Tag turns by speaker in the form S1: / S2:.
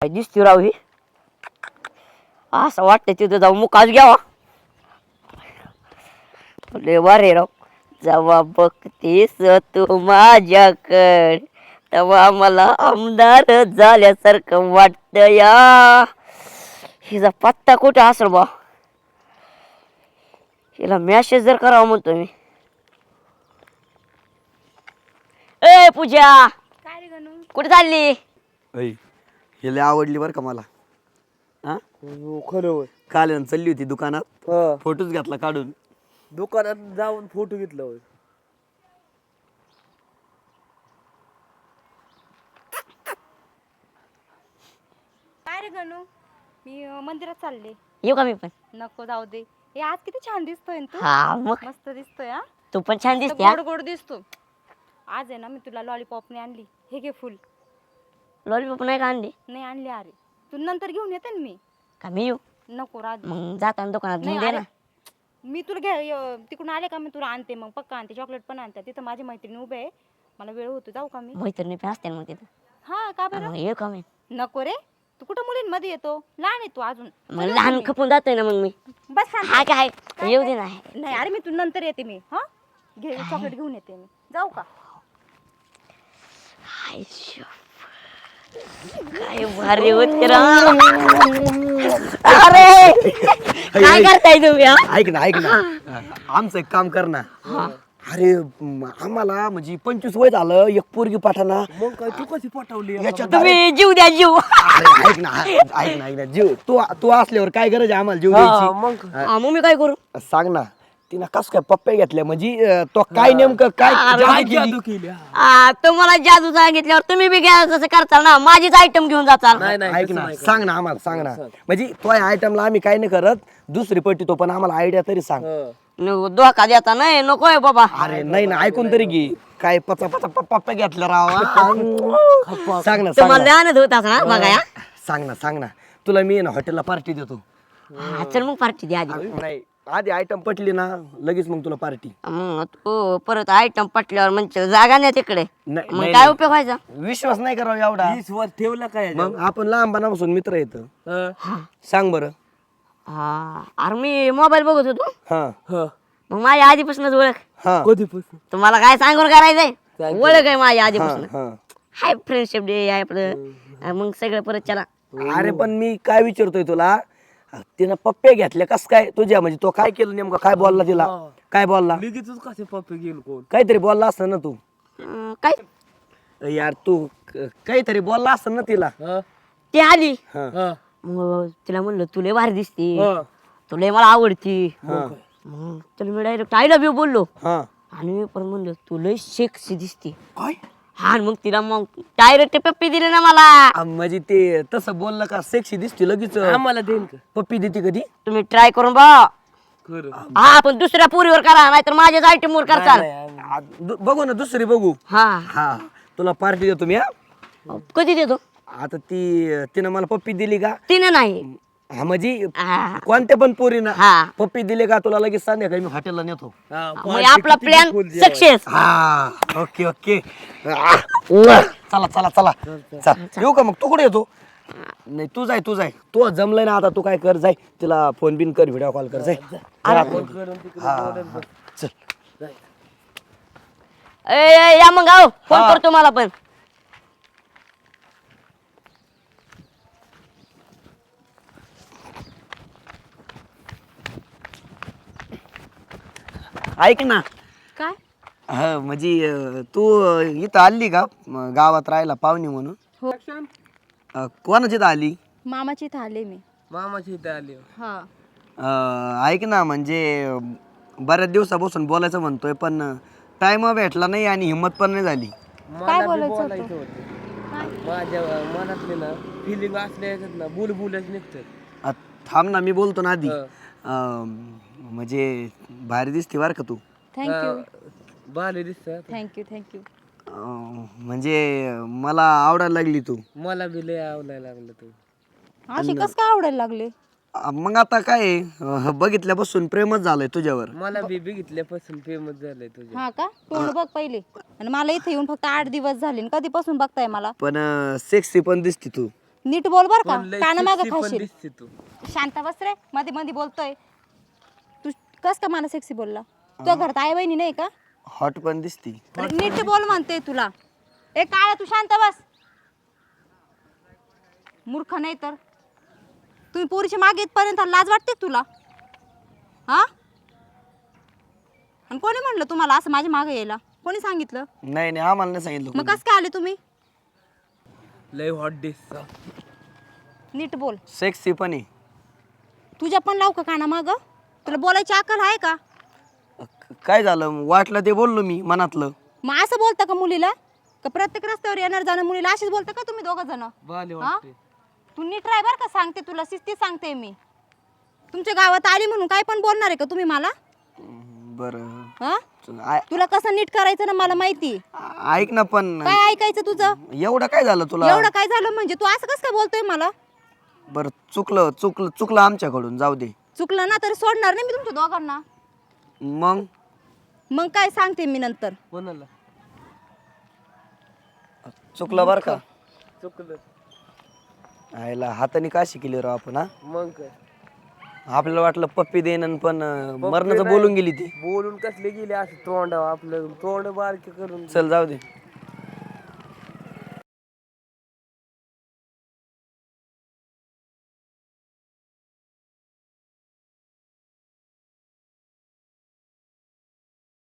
S1: काय दिसते राव ही असं वाटतं तिथं जाऊ मुकाच घ्यावा लय वारे राव जेव्हा बघतेस तू माझ्याकड तेव्हा मला आमदार झाल्यासारखं वाटत या हिचा पत्ता कुठे असेल बा हिला मेसेज जर करावा म्हणतो मी ए पूजा
S2: काय रे गणू
S1: कुठे चालली
S3: ऐ हे लय आवडली बरं का मला हा
S4: खरं
S3: काल चालली होती दुकानात
S4: होय
S3: फोटोच घातला काढून
S4: दुकानात जाऊन फोटो घेतला होय
S2: काय रे गणू मी मंदिरात चालले
S1: येऊ का मी पण
S2: नको जाऊ दे हे आज किती छान दिसतोय ना तू
S1: हा मग
S2: मस्त दिसतोय हा
S1: तू पण छान
S2: मस्त
S1: दिसते हा.
S2: गोड गोड दिसतो आज आहे ना मी तुला लॉलीपॉपने आणली हे घे फुल
S1: लॉलीपॉप नाही का आणली
S2: नाही आणली अरे तू नंतर घेऊन येते ना मी
S1: का मी येऊ
S2: नको राज
S1: मग जाताना दुकानात
S2: नाही
S1: घेऊन दे
S2: अरे,
S1: ना
S2: मी तुला घ्या तिकडून आले का मी तुला आणते मग पक्का आणते चॉकलेट पण आणते तिथं माझी मैत्रिणी उभे आहे मला वेळ होतो जाऊ का मी
S1: मैत्रिणी पण असते ना मग तिथं
S2: हा का बरं
S1: मग येऊ का मी
S2: नको रे तू कुठं मुलींमध्ये येतो लहान आहे तू अजून
S1: मग लहान खपून जातोय ना मग मी
S2: बस शांत.
S1: हा काय येऊ दे ना
S2: नाही अरे मी तू नंतर येते मी हा घे चॉकलेट घेऊन येते मी जाऊ का
S1: हाय शो. काय भारी होते रा अरे काय करताय तुम्ही हा?
S3: ऐक ना आमचं एक काम कर ना अरे आम्हाला म्हणजे 25 वय झालं एक पोरगी पाठाना
S4: मग काय तू कशी पटवली
S3: याच्यात
S1: तुम्ही जीव द्या जीव
S3: अरे, ऐक ना जीव तू असल्यावर काय गरज आहे आम्हाला जीव द्यायची
S4: मग
S1: हा, मग मी काय करू
S3: सांग ना तिनं कस काय पप्प्या घेतल्या म्हणजे तो काय नेमकं काय जादू केली?
S4: जादू केली
S1: तुम्हाला जादू सांगितल्यावर तुम्ही बी घ्या तसं करताल ना माझीच आयटम घेऊन जाताल
S4: नाही नाही
S3: ऐक ना सांग ना आम्हाला सांग ना म्हणजे तो आयटमला आम्ही काय नाही करत दुसरी पट्टी तो पण आम्हाला आयडिया तरी सांग
S1: नको, धोका देता नाही नकोय बाबा
S3: अरे नाही ना ऐकून तरी घे काय पचा पप्प्या घेतल्या राव सांग ना
S1: तुम्हाला लहानच होत ना मग या
S3: सांग ना तुला मी ना हॉटेलला पार्टी देतो
S1: हा, चल मग पार्टी द्या आधी
S3: नाही आधी आयटम पटली ना लगेच मग तुला पार्टी
S1: मग तू परत आयटम पटल्यावर म्हणजे जागा नाही तिकडे
S3: नाही,
S1: मग
S3: नाही,
S1: काय उपयोग व्हायचा
S3: विश्वास नाही करावा एवढा
S4: 20 वर ठेवला काय
S3: मग आपण लहानपणापासून मित्र येत सांग बरं
S1: हा अरे मी मोबाईल बघत होतो
S3: हा
S1: मग माझ्या आधीपासूनच ओळख
S3: हा
S4: कधीपासून
S1: तुम्हाला काय सांगून करायचंय ओळख आहे माझ्या आधीपासून
S3: हा
S1: हाय फ्रेंडशिप डे आहे आपलं मग सगळं परत चला
S3: अरे पण मी काय विचारतोय तुला तिनं पप्पे घेतले कस काय तुझ्या म्हणजे तो काय केलं नेमकं काय बोलला तिला काय बोलला
S4: लगेचच कसे पप्पे गेलो कोण
S3: काहीतरी बोलला असतं ना तू
S1: काय
S3: यार तू काहीतरी बोलला असतं ना तिला
S1: ती आली
S3: हा
S1: मग तिला म्हणलं तुला भारी दिसते तुला मला आवडती मग तुला मी डायरेक्ट आय लव्ह यू बोललो
S3: हा
S1: आणि मी पण म्हणलं तुला सेक्सी दिसते
S3: काय
S1: हा आणि मग तिला मग डायरेक्ट पप्पी दिली ना मला
S3: म्हणजे ते तसं बोललं का सेक्सी दिसते लगेच
S4: आम्हाला देईन का
S3: पप्पी देते कधी
S1: तुम्ही ट्राय करून बा
S4: खरं
S1: हा पण दुसऱ्या पुरीवर करा नाहीतर माझ्याच आयटम वर करताल
S3: बघू ना दुसरी बघू
S1: हा
S3: हा तुला पार्टी देतो मी हा
S1: कधी देतो
S3: आता तिनं मला पप्पी दिली का
S1: तिने नाही
S3: हा म्हणजे
S1: हा.
S3: कोणत्या पण पोरीनं
S1: हा
S3: पप्पी दिली का तुला लगेच संध्याकाळी मी हॉटेलला नेतो
S1: मग आपला प्लॅन सक्सेस
S3: हा ओके ओके चला चला चला चल येऊ का मग तू कुठे येतो नाही तू जाय तू जमलंय ना आता तू काय कर जाय तिला फोन बिन कर व्हिडिओ कॉल कर जाय हा चल
S1: या मग आओ फोन करतो मला पण
S3: ऐक ना
S2: काय
S3: हा म्हणजे तू इथं आली का गावात राहायला पाहुणी म्हणून
S2: हो
S3: कोणाची इथं आली
S2: मामाची इथं आले मी
S4: मामाची इथे आली
S2: हा
S3: ऐक ना म्हणजे बऱ्याच दिवसापासून बोलायचं म्हणतोय पण टाइम भेटला नाही आणि हिंमत पण नाही झाली
S2: काय
S4: मला बी
S2: बोलायचं
S4: बोलायचं होतं माझ्या मनातले ना फिलिंग असल्या ह्याच्यात ना बुलबुलच निघतात
S3: थांब ना मी बोलतो ना आधी म्हणजे भारी दिसते बरं का तू
S2: थँक्यू
S4: भाले दिसतात
S2: थँक्यू
S3: म्हणजे मला आवडायला लागली तू
S4: मला बी लय आवडायला लागलं तू
S2: अशी कस काय आवडायला लागले
S3: मग आता काय बघितल्यापासून प्रेमच झालंय तुझ्यावर
S4: मला बी बघितल्यापासून फेमस झालंय तुझ्या
S2: हा का तोंड बघ पहिले आणि मला इथे येऊन फक्त 8 दिवस झाले आणि कधीपासून बघताय मला
S3: पण सेक्सी पण दिसते तू
S2: नीट बोल बर का,
S4: पण लय
S2: काना मागं
S4: sexy पण
S2: खाशील.
S4: दिसते तू.
S2: शांत बस रे, मध्ये मध्ये बोलतोय तू. कस का मला सेक्सी बोलला? तुझ्या घरात आई बहिणी नाही का?
S3: हॉट पण दिसती.
S2: अरे नीट बोल म्हणते तुला. ए काळ्या तू शांत बस. मूर्ख नाही तर. तुम्ही पोरीच्या मागे इथपर्यंत लाज वाटते का तुला? हा? आणि कोणी म्हणलं तुम्हाला असं माझ्या मागे यायला? कोणी सांगितलं?
S3: नाही नाही आम्हाला नाही सांगितलं
S2: मग
S3: कोणी.
S2: कस काय आले तुम्ही?
S4: लय हॉट दिसत.
S2: नीट बोल.
S3: सेक्सी पण आहे.
S2: तुझ्या पण लावू का काना माग? तुला बोलायची अक्कल आहे का?
S3: काय झालं वाटलं ते बोललो मी मनातलं.
S2: मग असं बोलता का मुलीला? का प्रत्येक रस्त्यावर येणार जाणं मुलीला अशीच बोलता का तुम्ही दोघं जण?
S4: बाले
S2: हा?
S4: वाटते.
S2: तू नीट राह बर का, सांगते तुला, शिस्ती सांगते मी. तुमच्या गावात आली म्हणून काय पण बोलणार आहे का तुम्ही मला?
S3: बरं
S2: हा?
S3: आ-
S2: तुला कसं नीट करायचं ना मला माहिती.
S3: ऐक ना पण
S2: काय ऐकायचं तुझं?
S3: एवढं काय झालं तुला?
S2: एवढं काय झालं म्हणजे? तू असं कसं काय बोलतोय मला?
S3: बरं चुकलं आमच्याकडून, जाऊ दे.
S2: चुकलं ना तर सोडणार नाही मी तुमच्या दोघांना.
S3: मग
S2: काय सांगते मी नंतर.
S4: कोणाला?
S3: चुकलं बरं का.
S4: चुकलं.
S3: आयला हाताने का शिकली राव आपण. हा
S4: मग काय?
S3: आपल्याला वाटलं पप्पी देणं पण मरणाचं
S4: नाही.
S3: बोलून गेली ती.
S4: बोलून कसले गेले असं तोंड आपलं तोंड बारके करून.
S3: चल जाऊ दे.